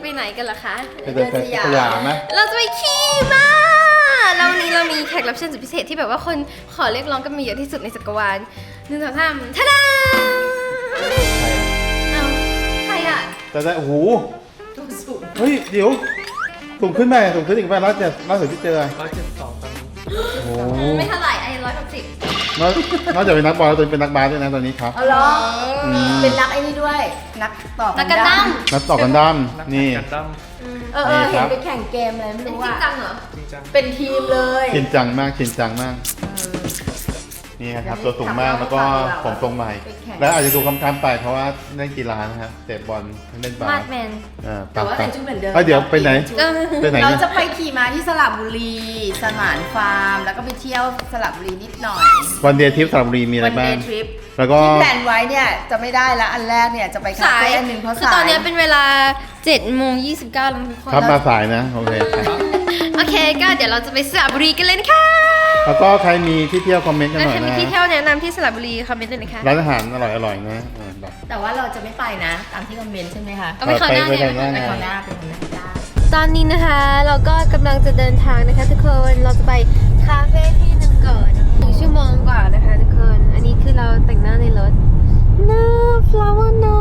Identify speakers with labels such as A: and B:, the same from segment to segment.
A: ไหนกันล่ะคะ
B: ไปเดินสยามไหม
A: เราจะไปขี่ม้าแล้ววันนี้เรามีแขกรับเชิญสุดพิเศษที่แบบว่าคนขอเรียกร้องกันมาเยอะที่สุดในจักรวาล1 2 3ท่าดาเอาใครอะ
B: แต่ได้โอ้โหเฮ้ยเดี๋ยวสูงขึ้นไปสูงขึ้นอีกไปแล้วที่เจอ
C: 172ตอนนี้
B: โอ้
A: ไม่เท่าไหร่ไอ้160
B: นอกจากเป็นนักบอลแล้วตัวเป็นนักบาสด้วยนะตอนนี้ครับ
D: เอาเหรอเป็นนักไอ้นี่ด้วย นักต่อ
A: นักกันดั้ม
B: นักต่อกันดั้มนี่
C: กันดั้ม
D: เห็นไปแข่งเกมอะไรไม่
A: เป็น
D: รู้
A: จริง
D: อ่ะ
A: จังเหรอ
C: จริงจัง
D: เป็นทีมเลย
B: ชินจังมากนี่ครับตัวสูงมากแล้วก็ผมทรงใหม่ แล้วอาจจะดูคำๆไปเพราะว่าเล่นกีฬานะครับเตะบอลเล่นบา
A: มา
B: ส
A: ดแมน
D: แต่ว่าแต่งชุดเหมือนเดิม
B: เดี๋ยวไปไหนไปไหน
D: เรา
B: เนี่ย
D: จะไปขี่ม้าที่สระบุรีสมานฟาร์ม แล้วก็ไปเที่ยวสระบุรีนิดหน่อย
B: วันเดย์ทริปสระบุรีมีอะไร
D: วัน
B: บ้า
D: เด
B: ง
D: ย์ทริป
B: แล้วก็
D: ที่แพลนไว้เนี่ยจะไม่ได้ละอันแรกเนี่ยจะไปคา
A: สาย
D: เฟ่อันหนึ่งเพราะ
A: คือ
D: สาย
A: ตอนนี้เป็นเวลา7:29แล้วทุกคน
B: ครับมาสายนะโอเค
A: โอเคก็เดี๋ยวเราจะไปสระบุรีกันเลยนะคะ
B: แล้วก็ใครมีที่เที่ยวคอมเมนต์กัน
A: แล้ว
B: หน่อย
A: ใครมี
B: นะ
A: ที่เที่ยวแนะนำที่สระบุรีคอมเมนต์เลยนะคะ
B: ร้านอาหารอร่อยๆนะแบบ
D: แต่ว่าเราจะไม่ไปนะตามที่คอมเมนต์ใช่ไหมคะ
A: เอาไปคราวหน้าเนี่ย
B: ไป
D: ไป
B: ค
D: ค
B: รา
D: ราว ว
B: ห
D: ห
B: น้า
D: น้าเป็นคนหน้าได้
A: ตอนนี้นะคะเราก็กำลังจะเดินทางนะคะทุกคนเราจะไปคาเฟ่ที่หนึ่งก่อน1 ชั่วโมงกว่านะคะทุกคนอันนี้คือเราแต่งหน้าในรถน่า flower no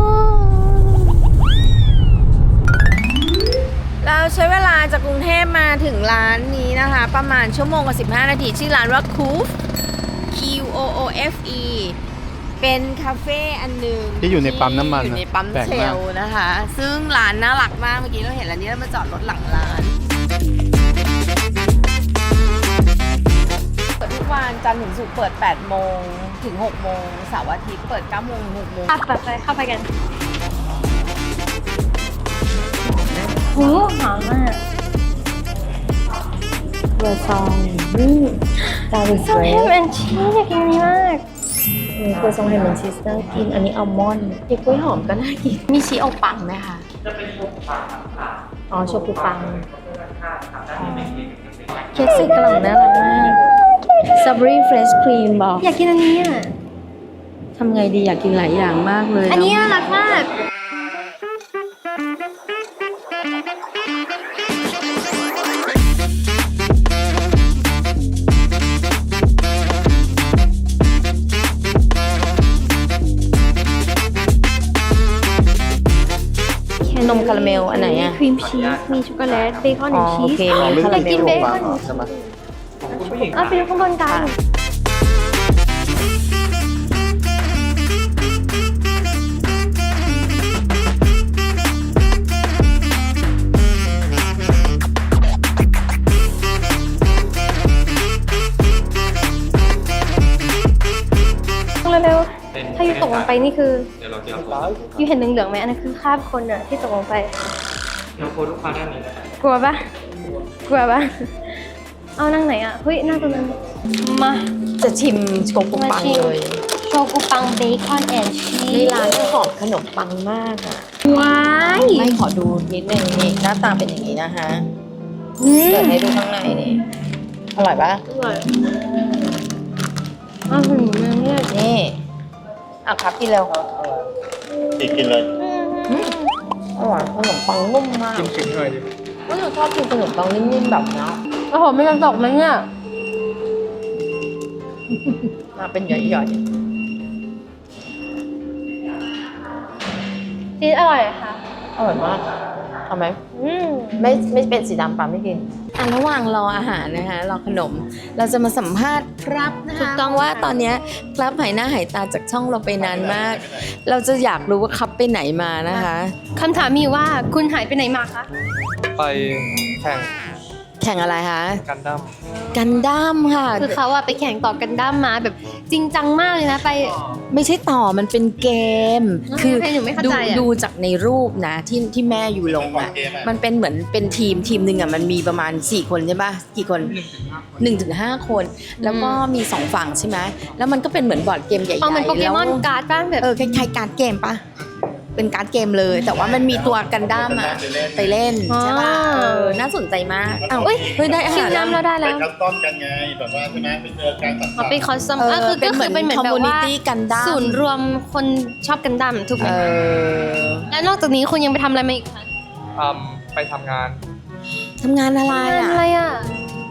D: เราใช้เวลาจากกรุงเทพมาถึงร้านนี้นะคะ ประมาณชั่วโมงกับ15 นาทีชื่อร้านว่า Qoof QOOFE เป็นคาเฟ่อันหนึ่ง
B: ที่อยู่ในปั๊มน้ำมัน
D: อยู่ในปั๊ม
B: แปลก
D: เช
B: มาก
D: ลนะคะ ซึ่งร้านน่ารักมากเมื่อกี้เราเห็นร้านนี้แล้วมาจอดรถหลังร้านเปิดทุกวันจันทร์ถึงศุกร์เปิด8 โมงถึง 6 โมงเสาร์อาทิตย์เปิด 9 โมงถึง 6 โมง
A: ไปเข้าไปกันโหหอมมาก
E: ครัวซองนี่ดาริส
A: ซอส
E: เร
A: แฮม
E: ส
A: แอนด์ชีสอยากกินอันนี้มาก
E: ครัวซองแฮมแอนด์ชีสน่ากิน อันนี้อัลมอนด์เค้กกล้วยหอมก็น่ากิน
D: มีชีเอาปังไหมคะ
E: อ๋อโชกุปังเค้กใส่กล่องน่ารักมากสตรอเบอรี่เฟรชครีมบอก
A: อยากกินอันนี้อ่ะ
E: ทำไงดีอยากกินหลายอย่างมากเลย
A: อันนี้น่ารักมาก
E: นมคาราเมลอันไหนอ่ะ
A: ครีมชีส มีช็อกโกแลต เบคอน
E: อ๋อ
A: ชี
E: โอ
A: ส
E: เคมีคา
A: อยา
E: ราก เม
A: กิน
E: ล
A: เบ
E: ลง
A: ค
E: มา
A: อน
B: ใช่ไหม
C: ของคุณผู้หญิง
A: เอาไปดูข้างบนกัน เร็วๆ ถ้าอยู่ตกลงไปนี่คือ
C: เดี๋ยวเราจะเอาตัว
A: อยู่เห็นเหลืองๆไหมอันนั้นคือคราบคนอะที่ตกลงไป
C: เดี๋ยวโค้ดลูกค้าด้านนี้นะครับ
A: กลัวปะกลัวปะเอานั่งไหนอะเฮ้ยนั่งตรงนั้น มา
E: จะชิมโชกุปังเลย
A: โชกุปังเบคอนแอนด์ชี
E: ใน
A: ส
E: ร้านหอมขนมปังมากอ่ะ
A: ว้าย
E: ไม่ขอดูนิดนึงนี่หน้าตาเป็นอย่างนี้นะคะ
A: อืม
E: เปิดให้ดูข้างในนี่อร่อยปะ
A: อร่อยอ้าวหืมเนี่ย
E: นี่อ่ะครับกินเร็ว
B: กินเลย
E: อร่อยขนมปังนุ่มมาก
C: กินถึงหน่อยดิ
E: ก็หนูชอบกินขนมปังนิ่มๆแบบนี้
A: โอ้โหไม่กระตกไหมเนี่ย
E: มาเป็นหย่อย
A: ชีสอร่อยค่ะ
E: ๆอร่อยมากเอาไหม
A: อืม
E: ไม่เป็นสีดำปาไม่กินอ่ะระหว่างรออาหารนะคะรอขนม เราจะมาสัมภาษณ์ครับนะคะถูกต้องว่าตอนเนี้ยครับหายหน้าหายตาจากช่องเราไปนานมาก เราจะอยากรู้ว่าครับไปไหนมานะคะ
A: คำถามมีอยู่ว่าคุณหายไปไหนมาคะ
C: ไปแข่ง
E: แข่งอะไรคะ
C: กันดั้ม
E: กันดั้มค่ะ
A: คือเขาอะไปแข่งต่อกันดั้มมาแบบจริงจังมากเลยนะไป
E: ไม่ใช่ต่อมันเป็นเกม คือ
A: ให้หนูไม่เข้าใจอะ
E: ดูจากในรูปนะที่แม่อยู่ลงอ่ะมันเป็นเหมือนเป็นทีมหนึ่งอ่ะมันมีประมาณ4 คนใช่ปะกี่คน1 ถึง 5 คน แล้วก็มี2ฝั่งใช่ไหมแล้วมันก็เป็นเหมือนบอร์ดเกมใหญ่ๆ
A: เอาเหมือนโปเกมอน
E: แล้ว
A: การ์ดบ้างแบบ
E: คล้ายๆการ์ดเกมปะเป็นการ์ดเกมเลย แต่ว่ามันมีตัวกันดั้มอ่ะไปเล่นใช่ปะน่าสนใจมากอ้าวเฮ้ยได้อา
A: ชิ
E: หาม ร
A: น้ำเราได้
B: ไป
A: แล้ว
B: คัสตอมกันไงแบบว่าใช่ไหมไปเจอการตัด
A: มาเป็นคอสตอมคือ
E: เป็นเหมือน
A: เป็นเหมือนแบบว่า
E: community กันดั้ม
A: ศูนย์รวมคนชอบกันดั้มถูกไหม
E: เออ
A: แล้วนอกจากนี้คุณยังไปทำอะไรมาอีกคะ
C: อืมไปทำงาน
E: ทำงานอะไรอ่ะ
A: อะไรอ่ะ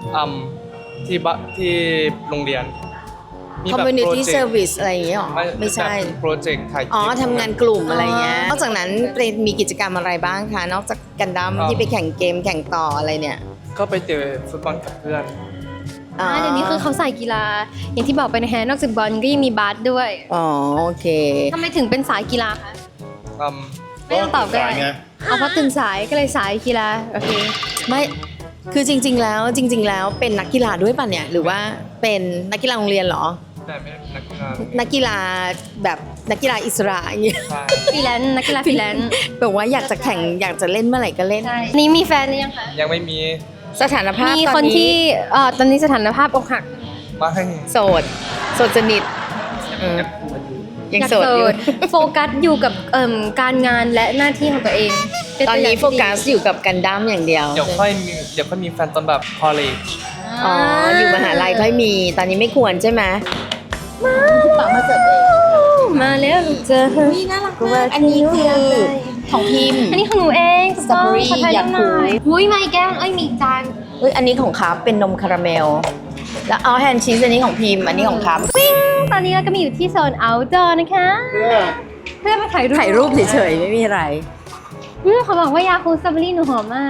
C: ที่โรงเรียนมีแบบ
E: community
C: project
E: service อะไรอย่างเงี้ยหรอ ไม่ใช่
C: โปรเจกต์ถ่ายคลิป
E: อ๋อทำงานกลุ่มอะไรเงี้ย นอกจากนั้นเป็นมีกิจกรรมอะไรบ้างคะ นอกจากกันดั้มที่ไปแข่งเกมแข่งต่ออะไรเนี่ย
C: ก็ไปเจอฟุตบอลกับเพื่อน
A: เดี๋ยวนี้คือเขาใส่กีฬา อย่างที่บอกไปนะฮะนอกจากบอลก็ยังมีบาสด้วย
E: อ๋อโอเค
A: ทำไมถึงเป็นสายกีฬาคะ
C: อืม
A: ไม่ต้องตอบก็ได้
B: สายไง
A: เอาเพราะตื่นสายก็เลยสายกีฬาโอเค
E: ไม่คือจริง ๆ แล้วเป็นนักกีฬาด้วยป่ะเนี่ย หรือว่าเป็นนักกีฬาโรงเรียนเหรอ
C: แต่ไม่ได้นักกีฬา
E: นักกีฬาแบบนักกีฬาอิสระอย่างเงี้ย
C: ใช่
A: ฟรีแลนซ์นักกีฬาฟรีแลนซ์
E: แบบว่าอยากจะแข่งอยากจะเล่นเมื่อไหร่ก็เล่น
A: ใช่นี่มีแฟนหรือยังคะ
C: ยังไม่มี
E: สถานภาพ
A: มี
E: ต
A: ค
E: อน
A: น
E: นี้
A: ที่ตอนนี้สถานภาพอกหัก
C: มาให้
E: โสดสนิทเออยังโสดอยู่
A: โฟกัสอยู่กับการงานและหน้าที่ของตัวเองเป็
E: ตอน
A: วย่า
E: นี้
A: ง
E: โฟกัสอยู่กับกันดั้มอย่างเดียว
C: เดี๋ยวค่อยมีแฟนตอนแบบ college
E: อ๋อ อยู่มหาลัยค่อยมี ตอนนี้ไม่ควรใช่ไหมต่อมาเสิร์ฟเอง
A: มาแล้วลูกเจอ
E: นี่น่ารักมากอันนี้คือของพิมพ์
A: อันนี้ของหนูเอง
E: สตรอเบอรี่
A: ขอถ่าย
E: อยาก
A: รูปหน่อย
E: รู้
A: อุ้ยมาอีกแก้วเอ้ยมีอีกจาน
E: เอ้ยอันนี้ของครับเป็นนมคาราเมล แล้วเอาแฮนด์ชีสอันนี้ของพิมพ์ อันนี้ของครับ
A: ตอนนี้เราก็มีอยู่ที่โซน outdoor นะคะ เพื่อมาถ่ายรูป
E: ถ่ายรูปเฉยๆไม่มีอะไร
A: เขาบอกว่ายาคูสตรอเบอรี่หนูหอมมาก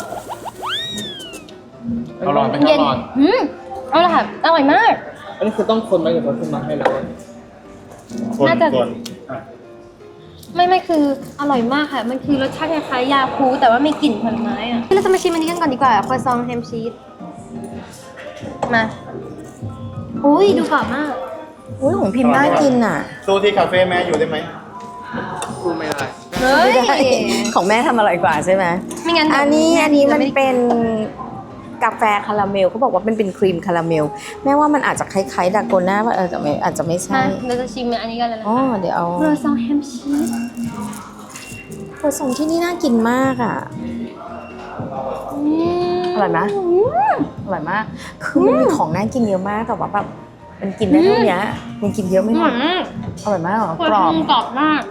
C: อร่อยไหม
A: เย็นเอาละค่ะอร่อยมาก
C: อันนี้คือต้องคนไหมหรือว่าคุณมาให้แล้ว
B: คน
A: น่าจะ
B: คนอ่ะ
A: ไม่คืออร่อยมากค่ะ มันคือรสชาติคล้ายๆยาคูแต่ว่ามีกลิ่นผลไม้อ่ะเราจะมาชิมอันนี้กันก่อนดีกว่าครัวซองแฮมชีสมาอุ้ยดูกรอบมาก
E: อุ้ยของพิมพ์น่ากินอ่ะ
B: สู้ที่คาเฟ่แม่อยู่ได้ไหม
C: พูดไม่ได้
A: เฮ้ย
E: ไม่ได้ของแม่ทำอร่อยกว่าใช่ไหม
A: ไม่งั้น
E: อันนี้มัน
A: ไม่ได้
E: เป็นกาแฟคาราเมลเขาบอกว่าเป็นครีมคาราเมล แม่ว่ามันอาจจะคล้ายๆดาโกน่าว่าแต่ไม่อาจจะไม่ใช่
A: มาเราจะชิมอันนี้กันเลยนะ
E: อ๋อเดี๋ยวเอา
A: ครัวซองแฮมชีส
E: ครัวซองที่นี่น่ากินมากอ่ะ อร่อยไหมอร่อยมาก คือมันมีของน่ากินเยอะมากแต่ว่าแบบมันกินได้เท่านี้มันกินเยอะไม่หมดอร่อยมากเหรอกรอบ
A: กรอบมาก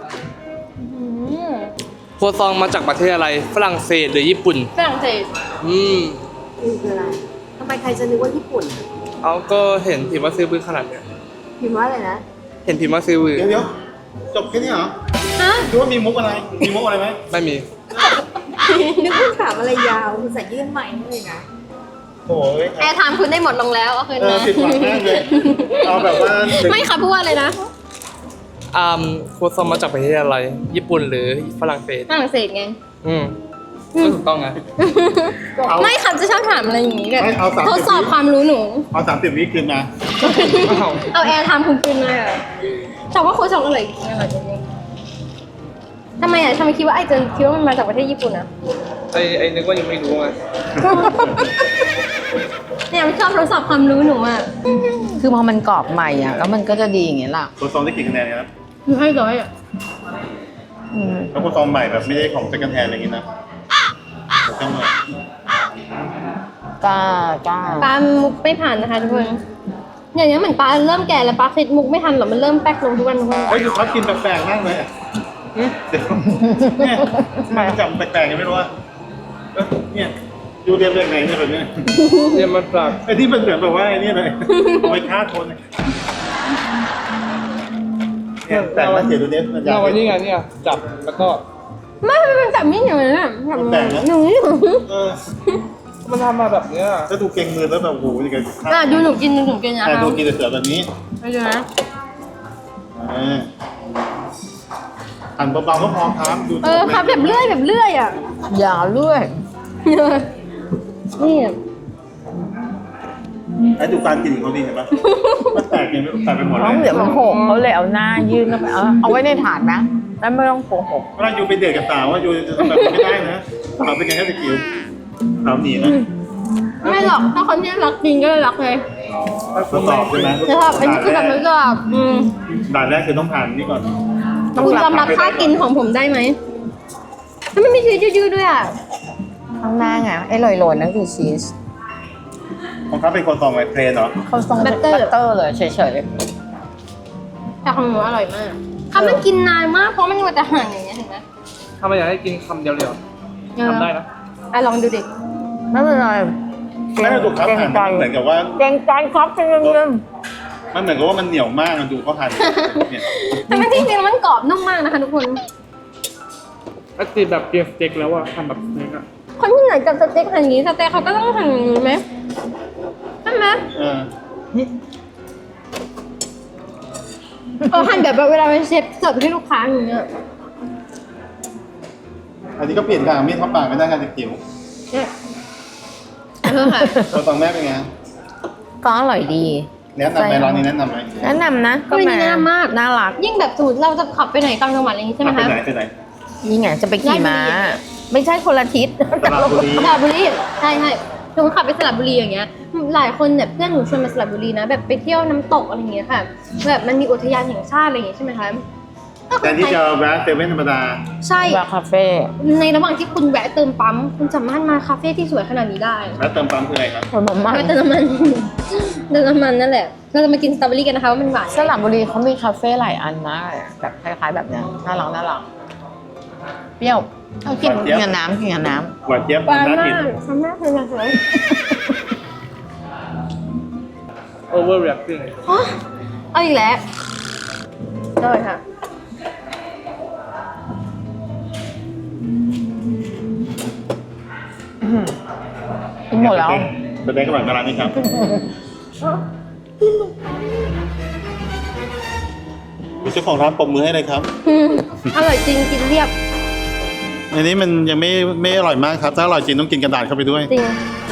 C: ครัวซองมาจากประเทศอะไร ฝรั่งเศสหรือญี่ปุ่น
A: ฝรั่งเศส
E: คืออะไรทำไมใครจะนึกว่าญี่ปุ่น
C: เอาก็เห็นพิมพ์ว่าซื้อบื้อขนาดเนี้ย
E: พิมพ์ว่าอะไรนะ
C: เห็นพิมพ์ว่าซื้อบื้อ
B: เดี๋ยวจบแค่นี้เหรอ
A: ฮะ
B: ดูว่ามีมุกอะไร มีมุกอะไรไหม
C: ไม่มี
E: นึกว่าถามอะไรยาวคุณใส่ยื่นใหม่เลยนะ
B: โอ้ย
A: แอร์ไทม์คุณได้หมดลงแล้วเอาคืนมา
B: ผิดหวังมากเลย เอาแบบว่า
A: ไม่ค่ะพูดว่าอะไรนะ
C: ครัวซองมาจากประเทศอะไร ญี่ปุ่นหรือฝรั่งเศส
A: ฝรั่งเศสไง
C: ก็ถูกต้องไง
B: เอา
A: ไม่ค่ะจะชอบถามอะไรอย่างนี้แบบ
B: ไม่เอา30
A: ทดสอบความรู้หนู
B: เอา30 วิคืนมา
A: เอาแอร์ไทม์คุณคืนมาอะแต่ว่าโค้ชองอร่อยจริงอร่อยจริงทำไมอ่ะทำไมคิดว่าไอ้เจนคิดว่ามันมาจากประเทศญี่ปุ่นอ่ะ
C: ไอ้นึกว่ายังไม่รู้ไง
A: เนี่ยมันชอบทดสอบความรู้หนูอ่ะ
E: คือพอมันกรอบใหม่อ่ะแล้วมันก็จะดีอย่างเงี้ยล่ะ
B: ตัวซองได้กี่คะแนนเนี่ยนะ
A: คือให้ร้อยอ่ะ
B: แล้วตัวซองใหม่แบบไม่ได้ของเซ็กันแทนอะไรอย่างงี้นะต้องมา
E: กล้า
A: ปลามุกไม่ผ่านนะคะทุกคนอย่างนี้ยเหมือนปลาเริ่มแก่แล้วปลาคิดมุกไม่ทันหรอกมันเริ่มแป๊กลงทุกวันทุกวัน
B: เฮ้ยเขากินแปลกๆมากเลยอะเดี๋ยวเนี่ยมันจับแปลกๆยังไม่รู้ว่าเนี่ยยูเรียนแบบไหนเนี่ยแบบเนี้ย
C: เรียนมาจาก
B: ไอ้ที่มันเหมือนแบบว่าไอ้นี่เลยเอาไปฆ่าคนเนี่ยแต่มาเสียดูเด็มันอยาก
C: เราวันนี้ไงเนี่ยจับแล้วก็
A: ไม่มันจับไม่อย่างนั้นอ่ะจับ
B: แปลกนะ
A: หนู
B: เออ
C: มันทำมาแบบเนี้ย
B: ถ้าดูเก่งมือแล้วแบบโอ้โหยังไง
A: ดูหนูกินนะ
B: แต่
A: คะ
B: ดูกินแต่เสือแบบนี้
A: ไปดูนะ
B: หั่นเบาๆก็พอครับดู
A: ครับแบบเลื่อยอ่ะ
E: อย่าเลื่อย
A: นี่
B: ไอ้ดูการกินของเขาดีเห็นปะมันแตกไงไม่รู้แตกไปหมดเล
E: เพราะ
B: ย
E: เดี๋ยวมันหกเขาเลยเอาหน้ายื่นเข้าไปเอาไว้ในถาดนะแล้วไม่ต้องโกหก
B: เวลายูไปเดทกับสาวว่ายูจะทำแบบนี้ไม่ได้นะสาวเป็นไงแค่ตะกิ้วสาวหนีนะ
A: ไม่หรอกถ้าคนที่รักจริงก็รักเลย
B: ทดสอบใช่ไหม
A: จะทำอันนี้คือแบบทดสอบ
B: ด่านแรกคือต้องผ่านนี่ก่อน
A: คุณยอมรับค่ากินของผมได้ไหมถ้าไม่มีชีสยืดๆด้วยอ่ะ
E: ข้างหน้าไงไอ้ลอยๆนั่นคือชีส
B: ของเขาเป็นคนตองไว้เทรนเหรอ
E: เขาต้องบัตเตอร์เลยเฉย
A: แต่ของหนูอร่อยมากค่ะมันกินนานมากเพราะมันมัวแต่หั่นอย่างเงี้ยเห็นไหม
C: ถ้ามันอยากให้กินคำเดียวๆทำได้นะ
A: เลองดูดิ
E: ไม่เป็นไร
B: ไม่ได้ดูครับหั่นมันเหมือนกับว่า
E: เกรงใจครับจริง
B: มันเหมือนกับว่ามันเหนียวมากมันดูเขาหั่นเนี่ย
A: แต่มันจริงๆมันกรอบนุ่มมากนะคะทุกคน
C: ปกติแบบเตรียมสเต็กแล้วอะทำแบบสเต็กอะ
A: คนที่ไหนจับสเต็กหั่นอย่างนี้สเต็กเขาก็ต้องหั่นอย่างนี้ไหมใช่ไหมหั่นแบบเวลาเป็นเชฟเสิร์ฟให้ลูกค้าอย่างเงี้ย
B: อันนี้ก็เปลี่ยนการมีดเข้าปากไม่ได้ค่ะเด็กจิ๋ว
A: เนี่ยค่ะ
B: ตัวตองแม่เป็นไง
E: ๆก็อร่อยดี
B: แนะนำไหมร้านนี้แนะนำไหม
E: แนะนำนะ
A: ก็ไม่แนะนำมาก
E: น่ารัก
A: ยิ่งแบบสมมติเราจะขับไปไหนต่างจังหวัดอะไรอย่างงี้ใช่ไหม
B: ไป
A: คะ
B: ไหนไปไหน
E: นี่ไงจะไปขี่ม้า ไม่ใช่คนละทิศ
B: สระบุรี
A: สระบุรีใช่ใช่หนูขับไปสระบุรีอย่างเงี้ย หลายคนเนี่ยเพื่อนหนูชวนมาสระบุรีนะแบบไปเที่ยวน้ำตกอะไรอย่างเงี้ยค่ะ แบบมันมีอุทยานแห่งชาติอะไรอย่างเงี้ยใช่ไหมคะ
B: แต่ที่จะแวะเซเว่นธรรมดา
A: ใช่
E: ว่าคาเฟ่
A: ในระหว่างที่คุณแวะเติมปั๊มคุณสามารถมาคาเฟ่ที่สวยขนาดนี้ได้
B: แล้วเติมปั๊มคืออะไรครับ
E: ผลไม้
A: แวะเติมน้ำมัน เติมน้ำมันนั่นแหละ เราจะมากินสตรอเบอรี่กันนะคะว่ามันหวาน
E: สระบุรีเขามีคาเฟ่หลายอันมากเลยแบบคล้ายๆแบบเนี้ยน่ารักน่ารักเปรี้ยวเอากินกับน้ำกินกับน้
B: หวานเจี๊ยบ
A: หวาน
B: น่า
A: มา
B: กิน
A: กทำหน้าเลยนะสวย
C: overreacting
A: เอาอีกแล้วได้ค่ะ
E: ำกินหมดแล้ว
B: แสดงกับร้านนี้ครับเจ้าของร้านปรบมือให้เลยครับ
A: อร่อยจริงกินเรียบ
B: อันนี้มันยังไม่อร่อยมากครับ ถ้าอร่อยจริงต้องกินกระดาษเข้าไปด้วย
A: จริง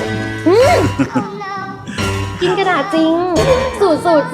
A: กินกระดาษจริง สูตร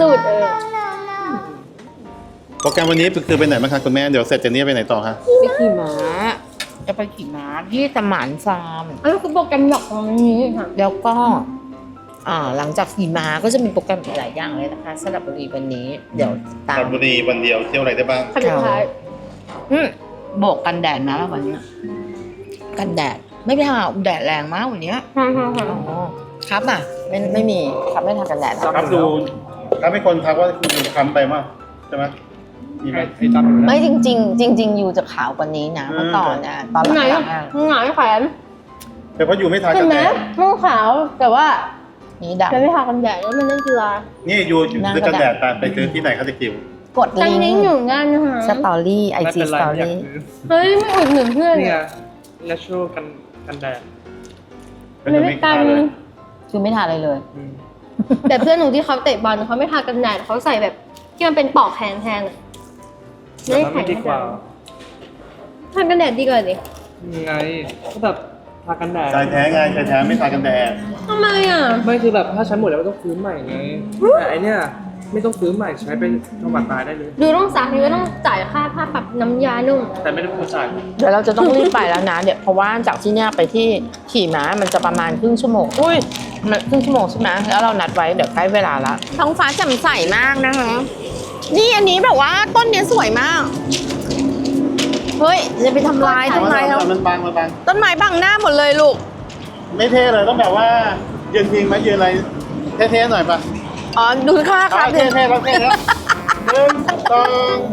B: โปรแกรมวันนี้คือไปไหนบ้างคะคุณแม่ เดี๋ยวเสร็จจากนี้ไปไหนต่อคะ
E: ไปขี่ม้าจะไปขี่ม้าที่สมานฟาร์ม
A: อันนี้คือโปรแกรมหลักของวันนี้ค่ะ
E: แล้วก็หลังจากขี่ม้าก็จะมีโปรแกรมอีกหลายอย่างเลยนะคะสระบุรีวันนี้ เดี๋ยวตา
B: ส
E: ม
B: ระบุรีวันเดียวเที่ยวอะไรได้บ้าง
A: ขั้นสุดท้าย
E: โบกกันแดดนะวันนี้กันแดดไม่ไปหาแดดแรงมากวันนี้
A: ค่ะ
E: อ๋อครับอ่ะไม่มีครับไม่ทากันแดด
B: ครับดูครับให้คนทักว่าคุณคำไปมากใช่ไหมมีไหม
C: ให้จำอยู่แล้ว
E: ไม่จริง ๆ จริง ๆ อยู่จะขาวกว่านี้นะเมื่อก่อนนะตอนห
A: ไหน
E: ลังๆอะ
A: ไหนแขวน
B: แต่เพราะอยู่ไม่ทา
A: เห็
B: กัน น
A: ไหม
B: แดด
A: ม่วงขาวแต่ว่า
E: นี่
A: จะ
E: ดำ
A: ไม่ทากันแดดแล้วมันเล่นกีฬา
B: นี่อยู่ซื้อกันแดดไปซื้อที่ไหนเขาจะกิว
E: กด
A: จัง
E: ลิง
A: นิ้ง
E: ก์
A: อยู่งานนะคะ
E: สตอรี่ไอ
C: ไม่
E: จี
C: เป็น
E: ส
C: ไร
E: ตอ
C: อยาก
E: รี่
C: ซื้อ
A: เฮ้ยไม่อุดหนุนเพื่อน
C: นี่
A: เล
C: ไง
A: ย
C: natural กันแดด
B: ก็จะไม่ทาเลย
E: คือไม่ทาอะไรเลย
C: อืม
A: แต่เพื่อนหนูที่เขาเตะบอลเขาไม่ทากันแดดเขาใส่แบบที่มันเป็นปอกแขนแทนอะ
C: แต่มันไม่ดีกว่า
A: ทากันแดดดีกว่าดิ
C: ยังไงก็แบบทากันแดด
B: ชายแท้ไงชายแท้ไม่ทากันแดด
A: ทำไมอ่ะ
C: ไม่คือแบบถ้าใช้หมดแล้วก็ต้องซื้อใหม่ไงแต่ไอเนี้ยไม่ต้องซื้อใหม่ใช้เป็นจังหวัดตายได้เลย
A: ดูต้องซักนี่ก็ต้องจ่ายค่าปรับน้ำยานุ่ม
C: แต่ไม่ได้พูดจ่าย
E: เดี๋ยวเราจะต้องรีบไปแล้วนะเดี๋ยวเพราะว่าจากที่เนี่ยไปที่ขี่ม้ามันจะประมาณครึ่งชั่วโมงอุ้ยมันครึ่งชั่วโมงใช่ไหมแล้วเรานัดไว้เดี๋ยวใกล้เวลาละท้องฟ้าแจ่มใสมากนะคะนี่อันนี้แบบว่าต้นเนี้ยสวยมากเฮ้ยจะไปทำลายต้นไม้เขา
B: มันบางมันบาง
E: ต้นไม้บังหน้าหมดเลยลูก
B: ไม่เท่เลยต้องแบบว่ายืนพิงไหมยืนอะไรเท่ๆหน่อยป่ะ
E: อ๋อดูค่าครับ
B: เท่ๆแล้วเท่แล้วหนึ่งสอง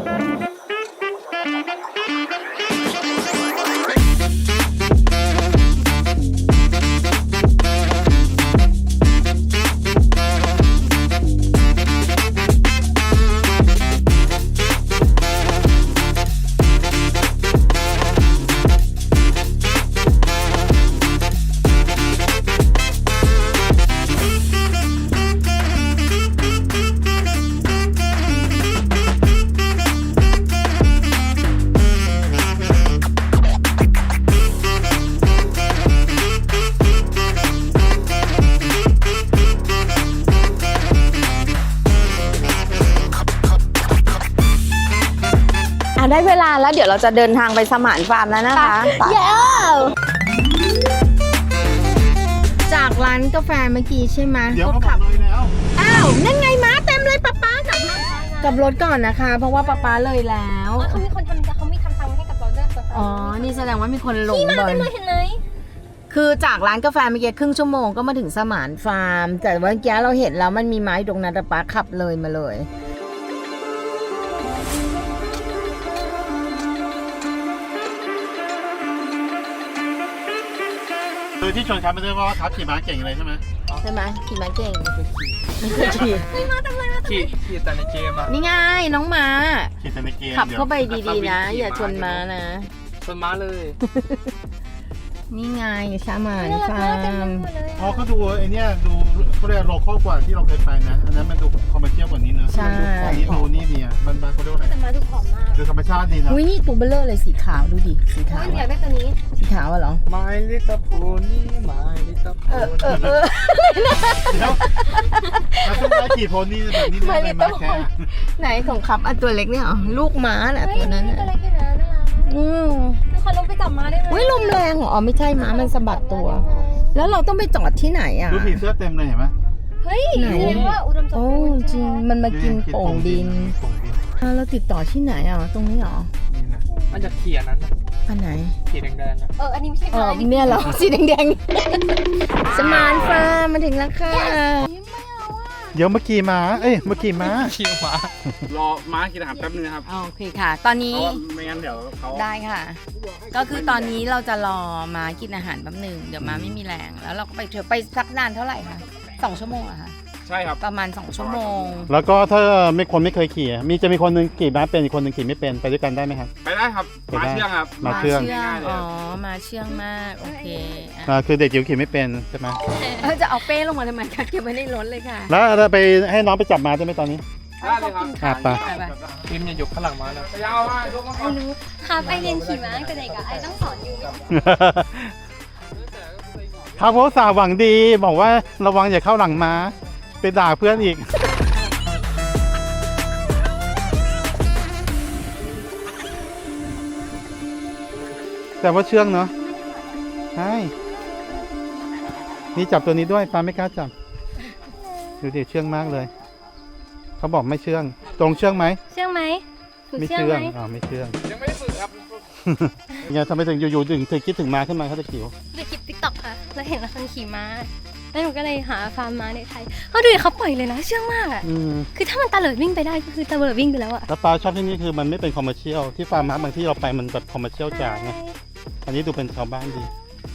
E: ได้เวลาแล้วเดี๋ยวเราจะเดินทางไปสมานฟาร์มแล้วนะคะไปจากร้านกาแฟเมื่อกี้ใช่ไหม
B: เดี๋ยวเขาขับเลยแล้ว
E: อ้าวนั่นไงม้าเต็มเลยป๊าป๊ากับรถก่อนนะคะ เพราะว่าป๊าป๊าเลยแล้ว
A: เขามีคนทำเขามีทำตังให้กับเราด้วย
E: อ๋อนี่แสดงว่ามีคนหลง
A: นี่มา
E: เล
A: เต็
E: ย
A: มเลยเห็นไหม
E: คือจากร้านกาแฟเมื่อกี้ครึ่งชั่วโมงก็มาถึงสมานฟาร์ม แต่ว่าเมื่อกี้เราเห็นแล้วมันมีไม้ตรงนั้นแต่ป๊าขับเลยมาเลย
B: ที่ชวนครับไม่ได้ว่าครับขี่ม้าเก่งเลยใช่ไหม
E: ใช่ไหมขี่ม้าเก่ง
C: ขี่ขี่แต่ในเกมอะ
E: นี่ไงน้องม้า
B: ขี่แต่ในเกม
E: ขับเข้าไปดีๆนะ อย่าชนม้านะ
C: ชนม้าเลย
E: นี่ไงชาหมาน
A: น่ารัก
E: ฟาม
A: ากเต็ม
E: ร์ม
A: ไปหมดเลย
B: อ๋อเขาดูไอเนี้ยดูเขาเรียกโลคอลกว่าที่เราเคยไปนะอันนั้นมันดูคอมเมอร์เชียลกว่านี้นะอันนี้ดูนี่ดีอ่ะบ้านๆเขาเรียกว่าอะไร
A: แต่มาดูผอมมาก
B: ดูธรรมชาติดีนะ
E: อุ้ยนี่ตัวเบลเลอร์เลยสีขาวดูดิสีขาว
A: อยากได้ตัวนี้
E: สีขาวอะเหรอ
C: My Little Pony My Little Pony
B: เดี๋ยวมาต้องได้ขี่โพนี่แบบนี้ได้ไหมมาแค่
E: ไหนของครับอันตัวเล็กเนี่ยเหรอลูกม้าน่ะตัวนั้นน่ะ
A: ตัวเล็กอยู่นะน่ารัก
E: อืม
A: ทุกคนลงไปจับมาได้ไหม
E: อุ้ยลมแรงเหรออ๋อไม่ใช่ม้ามันสะบัดตัว แล้วเราต้องไปจอดที่ไหนอ่ะ
B: ดูผีเสื้อเต็มเลยเห็นไหม
A: เฮ้ย
E: ไหน
A: แสดงว่าอุดมสม
E: โอ้
A: บูรณ์
E: จริงมันมากินโป่งดิน
B: โป่งดิน
E: เราติดต่อที่ไหนอ่ะตรงนี้เหรอ
C: นี่นะมันจะขี่อันนั้นน่ะ
E: อันไหน
C: ขี่แดงๆอะ
A: อันนี้ไม่ใช่
E: อ๋อ
A: ไม้
E: เนี่ยเหรอ สีแดงๆ สมานฟาร์มมาถึงแล้วค่ะ
B: เดี๋ยวเมื่อกี้ม้าเอ้ยเมื่อกี้ม้า
C: ขี่ม้ารอม้ากินอาหารแป๊บนึงนะครับ
E: โอเคค่ะ ตอน
C: เพ
E: นี้
C: ราะว่าไม่งั้นเดี๋ยวเขา
E: ได้ค่ะ ก็คือตอนนี้เราจะรอมากินอาหารแป๊บหนึ่งเดี๋ยวมาไม่มีแรง แล้วเราก็ไปเที่ยวไปสักนานเท่าไหร่คะ2 ชั่วโมงเหรอะคะ
C: ใช่ครับ
E: ประมาณ2 ชั่วโมง
B: แล้วก็ถ้าไม่เคยขี่จะมีคนหนึงขี่ม้าเป็นอีกคนหนึงขี่ไม่เป็นไปด้วยกันได้ไหมครับ
C: ไปได้ครับ
B: ไปได้
C: ม้าเชื่องครับ
B: ม้าเชื่อง
E: อ๋อ มาเชื่องมาก โอเคอ่ะ
B: คือเด็กจิ๋วขี่ไม่เป็นใช่ไหม
E: จะเอาเป้ลงมาทำไมคะเก็บไว้ในรถเลยค่ะ
B: แล้วเราไปให้น้องไปจับม้าได้ไหมตอนนี้
C: ได้เลยครับ
B: ไป
C: ทีมอย่าหยุดข้างหลังม้านะยาวมากยกมา
A: ไอ้รู้ครับไอเรียนขี่ม้าตั้งแต่เด็กอะไอต้องสอนอยู่
B: ครับเพราะสาวหวังดีบอกว่าระวังอย่าเข้าหลังม้าไปด่าเพื่อนอีก แต่ว่าเชื่องเนาะใช่นี่จับตัวนี้ด้วยปาไม่กล้าจับดูดิเชื่องมากเลยเขาบอกไม่เชื่อง ตรงเชื่องไหม
A: เชื่องไหมฝึก
B: ไม่
A: เชื่อง
B: เชื่อง
A: ไหม
B: ไม่เชื่อง
C: ยังไม่ได้ฝึกครับ
B: ยังทำไมถึงอยู่ๆถึงคิดถึงม้าขึ้นมาเขาจะจิ๋ว
A: ไปคลิปติ๊กต็อกค่ะแล้วเห็นคนขี่ม้าแล้วหนูก็เลยหาฟาร์มม้าในไทยเขาดูดิเขาปล่อยเลยนะเชื่องมากอะ
B: อืม
A: คือถ้ามันตะเลิดวิ่งไปได้ก็คือตะเลิดวิ่งไปแล้วอะ
B: แล้วปลาชอบที่นี่คือมันไม่เป็นคอมเมอร์เชียลที่ฟาร์มม้าบางที่เราไปมันแบบคอมเมอร์เชียลจ๋าไงอันนี้ดูเป็นชาวบ้านดี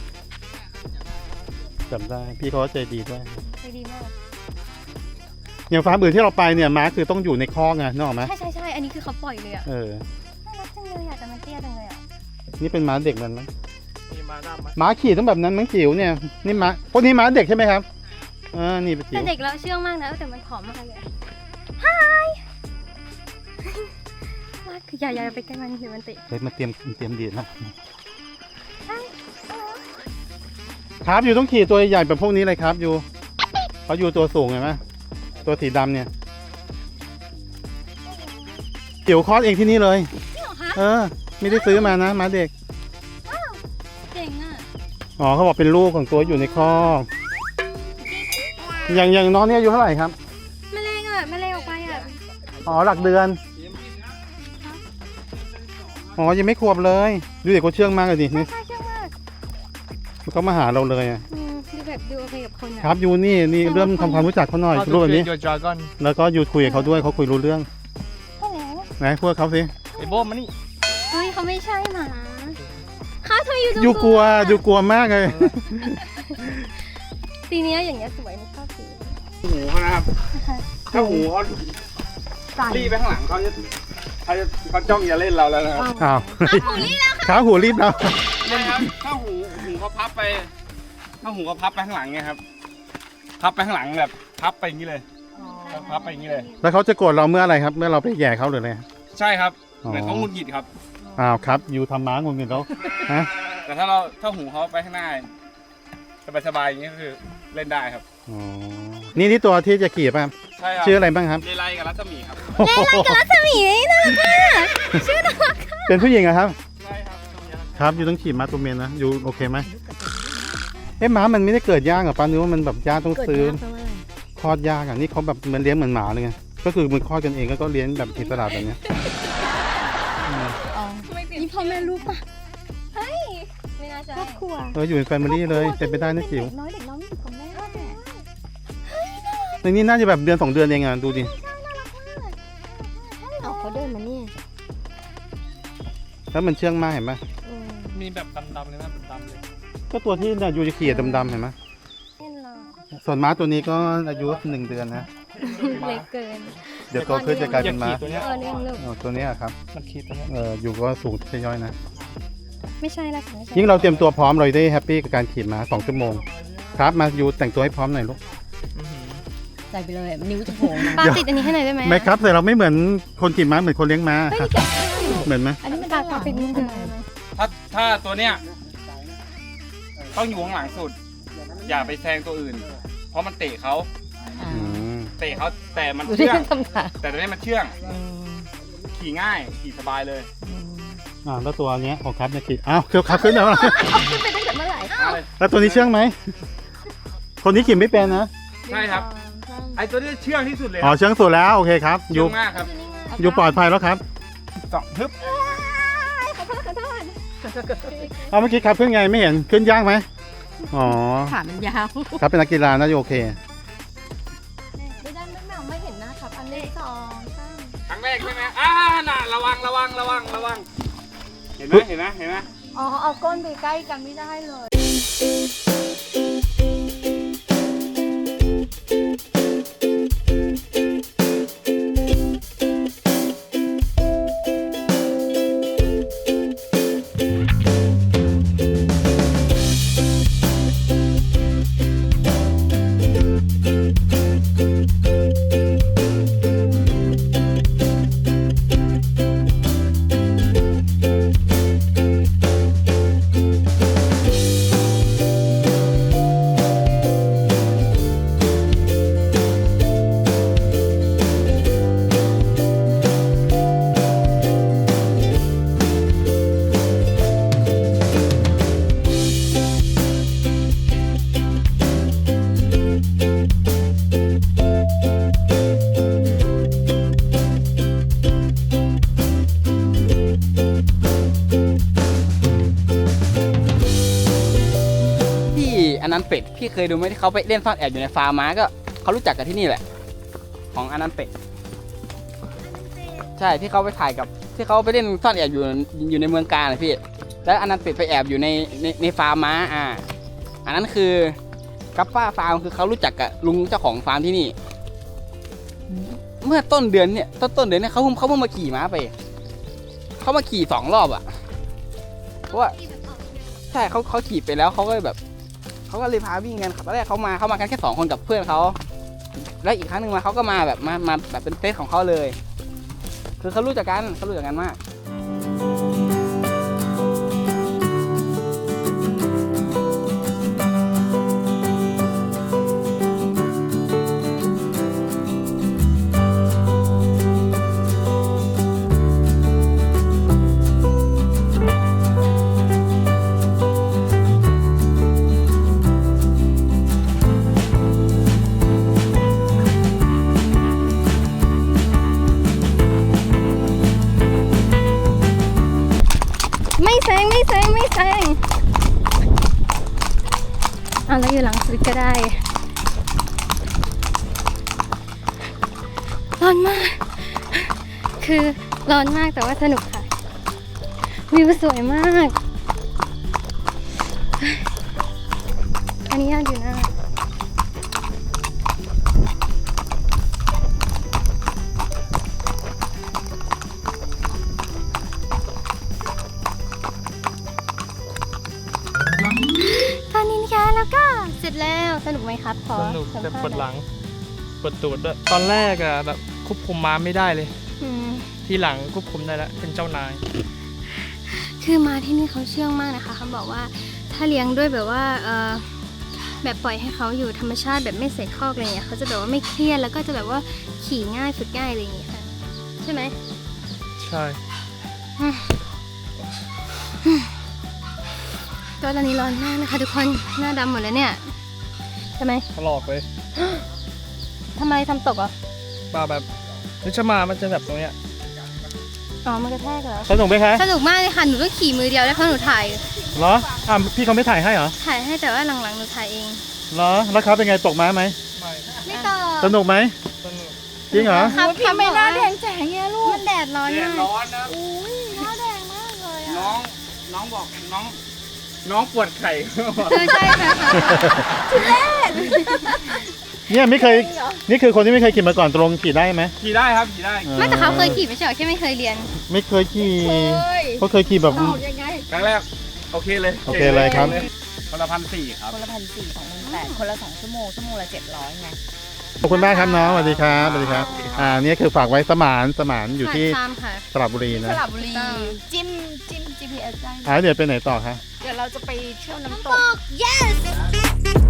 B: จำได้พี่เขาก็ใจดีด้วย
A: ใจดีมาก
B: อย่างฟาร์มอื่นที่เราไปเนี่ยม้าคือต้องอยู่ในคอกไงนึกออกไหม
A: ใช่อันนี้คือเขาปล่อยเลยอะ
B: เออ
A: น่ารักจังเลยอะแต่มันเตี้ยจังเลยอะ
B: นี่เป็นม้าเด็กมันมั้ง
C: มีม้าดำไหม
B: ม้าขี่ต้องแบบนั้นมั้งจิ๋วเนี่ยนี่ม้าพวกนี้ม้าเด็กใช่ไหมครับนี่เป็นจิ๋
A: แต่
B: ว
A: เด็กแล้วเชื่องมากนะแต่มันผอมมากเลยอะ Hi ว่าคืออย่าไปใกล้มันเดี๋ยวมันเตะ
B: เฮ้ยมาเตรียมดีดนะครับอยู่ต้องขี่ตัวใหญ่แบบพวกนี้เลยครับอยู่เขาอยู่ตัวสูงเห็นไหมตัวสีดำเนี่ยจิ๋วคลอดเองที่นี่เลย
A: จริงเหรอคะ
B: ไม่ได้ซื้อมานะม้าเด็ก
A: เก่งอะ
B: อ๋อเขาบอกเป็นลูกของตัวอยู่ในคอกอย่างน้องเนี่ยอายุเท่าไหร่ครับ
A: แมลงออกไปอะ
B: อ๋อหลักเดือนอ๋อยังไม่ขวบเลยดูเด็กเขาเชื่องมากเลยดินี่
A: ใช่เชื่องมาก
B: เขามาหาเราเลยอะ
A: ดูแบบดูโอเคกับคนอะ
B: ครับยูนี่เริ่มทำความรู้จักเขาหน่อยรูปแบบนี้
C: โยดราก้อน
B: แล้วก็ยูคุยกับเขาด้วยเขาคุยรู้เรื่อง
A: ใช่แล้ว
B: ไหนพูดกับเขาสิ
C: ไอ้โบมานี่
A: เฮ้ยเขาไม่ใช่หมาเขาทำไมอยู่ตรง
B: ยูกลัวมากเลย
A: สีเนี้ยอย่างเงี้ยสวยมันชอบสี
C: หูเขานะครับ ถ้าหูเขารีบไปข้างหลังเขาจ้องจะเล่นเราแล้วนะครับ
B: อ้าว
A: หูรีแล้ว
B: ขาหูรีบแล้ว
C: เลยครับถ้าหูเขาพับไปถ้าหูเขาพับไปข้างหลังไงครับ พับไปข้างหลังแบบพับไปอย่างนี้เลยพับไปอย่างนี้เลย
B: แล้วเขาจะโกรธเราเมื่ออะไรครับ เมื่อเราไปแย่เขาหรืออะไร
C: ใช่ครับ
B: อ๋อ
C: เหมือนเขาหงุดหงิดครับ
B: อ้าวครับยูทำม้างงเงินแล้วฮะ
C: แต่ถ้าหูเขาไปข้างหน้าสบายๆอย่างนี้ก็คือเล่นได้ครับ
B: อ๋อนี่ตัวที่จะขี่ป่ะครับ
C: ใช่ครับ
B: ชื่ออะไรบ้างครับ
C: เลไลกับรัศมีครับ
A: สมีน่ารักมากชื่อน่ารัก
B: เป็นผู้หญิงเหรอครับ
C: ใช่ครับ
B: ครับยูต้องขี่ม้าตัวเมียนะยูโอเคไหมม้ามันไม่ได้เกิดยากเหรอป้านึกว่ามันแบบยากต้อง
E: เกิด
B: ซื้อ
E: ยากเพราะว่าอะไร
B: คลอดยากอ่ะนี่เขาแบบมันเลี้ยงเหมือนหมาเลยไงก็คือมันคลอดกันเองก็เลี้ยงแบบอิสระแบบเนี้ย
E: อ๋อ
A: นี่พ่อแม่ลูกป่ะเฮ้ยไม่น่าจะ
E: ครอบครัว
B: อยู่เป็นแฟมิลี่เลยเป็นไปได้นะจิ๋ว
E: น้อยเด็กน้อยอยู่กับแม่
B: ในนี้น่าจะแบบเดือน2 เดือนเองอ่ะดูดิ
E: เอาเขาเดินมาเนี่ย
B: แล้วมันเชื่องมากเห็นปะ
E: อืม
C: มีแบบดำๆเลยนะดำๆเลย
B: ก็ตัวที่เนี่ยยูจะขี่ดำๆเห็นไหมส่วนม้าตัวนี้ก็อายุ1 เดือนนะ
A: เล็กเกิน
B: เดี๋ยวโตขึ้นจะกลายเป็นม้า
C: ตัวเนี้ย
A: เลี้ยงลูก
B: ตัวนี้ครับ
C: มันขี่ตัวเนี้ย
B: อยู่ก็สูงใช่ย่อยนะ
A: ไม่ใช่ละค่ะไม่ใช่
B: ยิ่งเราเตรียมตัวพร้อมเราได้แฮปปี้กับการขี่ม้า2 ชั่วโมงครับมายูแต่งตัวให้พร้อมหน่อยลูก
E: ใส่ไปเลยนิ้วจะโผล่มา
A: ปาติดอันนี้ให้หน่อยได้ไหม
B: ไม่ครับแต่เราไม่เหมือนคนขี่ม้าเหมือนคนเลี้ยงม้าครับเหมือนไหม
E: อันนี้มัน
A: ปาติดนิดนึง
C: ถ้าตัวเนี้ยต้องอยู่ข้างหลังสุด อย่าไปแซงตัวอื่น เพราะมันเตะเขา
B: อืม
C: เตะเขาแต่มัน
E: ดูที่
C: เชื่อง
E: ทำขา
C: แต่ตัวนี้มันเชื่อง ขี่ง่ายขี่สบายเลย
B: แล้วตัวเนี้ยของครับเนี่ยขี่อ้าวครับขึ้นแล้ว
A: ขึ้นไปตั้งแต่เมื่อไหร่
C: เอาเลย
B: แล้วตัวนี้เชื่องไหมคนนี้ขี่ไม่เป็นนะ
C: ใช่ครับ ไอตัวนี้เชื่องที่สุดเลย
B: อ๋อเชื่องสุดแล้วโอเคครับ
C: เชื่
B: ยู
C: องมากครับ
B: ยูปลอดภัยแล้วครับ
C: สองฮึบ
B: เอาเมื่อกี้ครับขึ้นไงไม่เห็นขึ้นยากไหมอ๋อ
E: ขามันยาว
B: ครับเป็นนักกีฬาน่าจะโอเค
A: ไม่ได้ไม่เห็นหน้าครับอันนี้2 3
C: ครั้งแรกใช่ไหมน่ะระวัง เห็นไหมเห็นไหม
A: อ๋อเอาก้นไปใกล้กันไม่ได้เลย
F: ที่อนันต์เป็ดพี่เคยดูไหมที่เขาไปเล่นซ่อนแอบอยู่ในฟาร์มม้าก็เขารู้จักกันที่นี่แหละ ของอนันต์เป็ดใช่ที่เขาไปถ่ายกับที่เขาไปเล่นซ่อนแอบอยู่ในเมืองกาญนะพี่แล้วอนันต์เป็ดไปแอบอยู่ในฟาร์มม้าอันนั้นคือกัปป้าฟาร์มคือเขารู้จักกับลุงเจ้าของฟาร์มที่นี่ เมื่อต้นเดือนเนี่ยต้นเดือนเนี่ยเขาเพิ่งมาขี่ม้าไปเขามาขี่2 รอบอ่ะเพราะว่าใช่เขาขี่ไปแล้วเขาก็แบบเขาก็เลยพาวิ่งกันตอนแรกเขามากันแค่2 คนกับเพื่อนเขาแล้วอีกครั้งหนึ่งมาเขาก็มาแบบมาแบบเป็นเซตของเขาเลย คือเขารู้จักกันมาก
A: ไม่แซงแล้วอยู่หลังสุดก็ได้ร้อนมากคือร้อนมากแต่ว่าสนุกค่ะวิวสวยมากอันนี้ยากอยู่นะตอนนี้นะคะแล้วก็เสร็จแล้วสนุกไหมครับพอ
G: สนุกแต่
A: สัมภาษณ์
G: ปวดหลังปวดตูดด้วยตอนแรกอะแบบควบคุมม้าไม่ได้เลย
A: อืม
G: ทีหลังควบคุมได้แล้วเป็นเจ้านาย
A: คือมาที่นี่เขาเชื่องมากนะคะเขาบอกว่าถ้าเลี้ยงด้วยแบบว่าแบบปล่อยให้เขาอยู่ธรรมชาติแบบไม่ใส่คอกอะไรอย่างเงี้ยเขาจะแบบว่าไม่เครียดแล้วก็จะแบบว่าขี่ง่ายฝึกง่ายอะไรอย่างเงี้ยค่ะใช่ไหม
G: ใช่
A: ก็ตอนนี้ร้อนมากนะคะทุกคนหน้าดำหมดแล้วเนี่ยใช่ไหม
G: ถลอกเลย
A: ทำไมทำตกอ่ะ
G: ป่าแบบนิชมามันจะแบบตรงเนี้ย
A: อ๋อมันกระแทกเหรอ
B: สนุกไหมคะ
A: สนุกมากเลยค่ะหนูต้องขี่มือเดียวแล้วเพราะหนูถ่าย
B: เหรอพี่เขาไม่ถ่ายให้เหรอ
A: ถ่ายให้แต่ว่าหลังๆหนูถ่ายเอง
B: เหรอแล้วครับเป็นไงตกม้าไหม
G: ไม่
A: ไม่ต่อ
B: สนุกไหม
G: สนุก
B: จริงเหรอ
A: ครับ
D: พี่ไม่น่าแดงแจ๋งเงี้ยลูก
A: มันแดดร้อน
C: แด
A: มา
C: ด
A: ก
C: ร้อนนะ
D: อุ้ยหน้าแดงมากเลยอะ
C: น้องบอกน้องน้องปวดไข่
A: ใช่ค่ะ
B: เนี่ยไม่เคย นี่คือคนที่ไม่เคยขี่มาก่อนตรงขี่ได้ไหม
C: ขี่ได้ครับขี่ได้
A: ไม่แต่เขาเคยขี่ไม่ใช่เหรอแค่ไม่เคยเรียน
B: ไม่เคยขี่เขาเคยขี่แบบ
C: ครั้งแรกโอเคเลย
B: โอเคเลยครับ
C: คนละ1,400ครับ
D: คนละ1,400 2,800คนละ2 ชั่วโมงละ700ไง
B: ขอบคุณมากครับน้องสวัสดีครับสวัสดีครับเนี่ยคือฝากไว้สมานอยู่ที่
A: ตามค่ะ
B: สระบุรีนะ
D: สระบุรีจิ้ม GPS ได้
B: เดี๋ยวไปไหนต่อคะ
D: เดี๋ยวเราจะไปเที่ยวน้ำตก
A: yes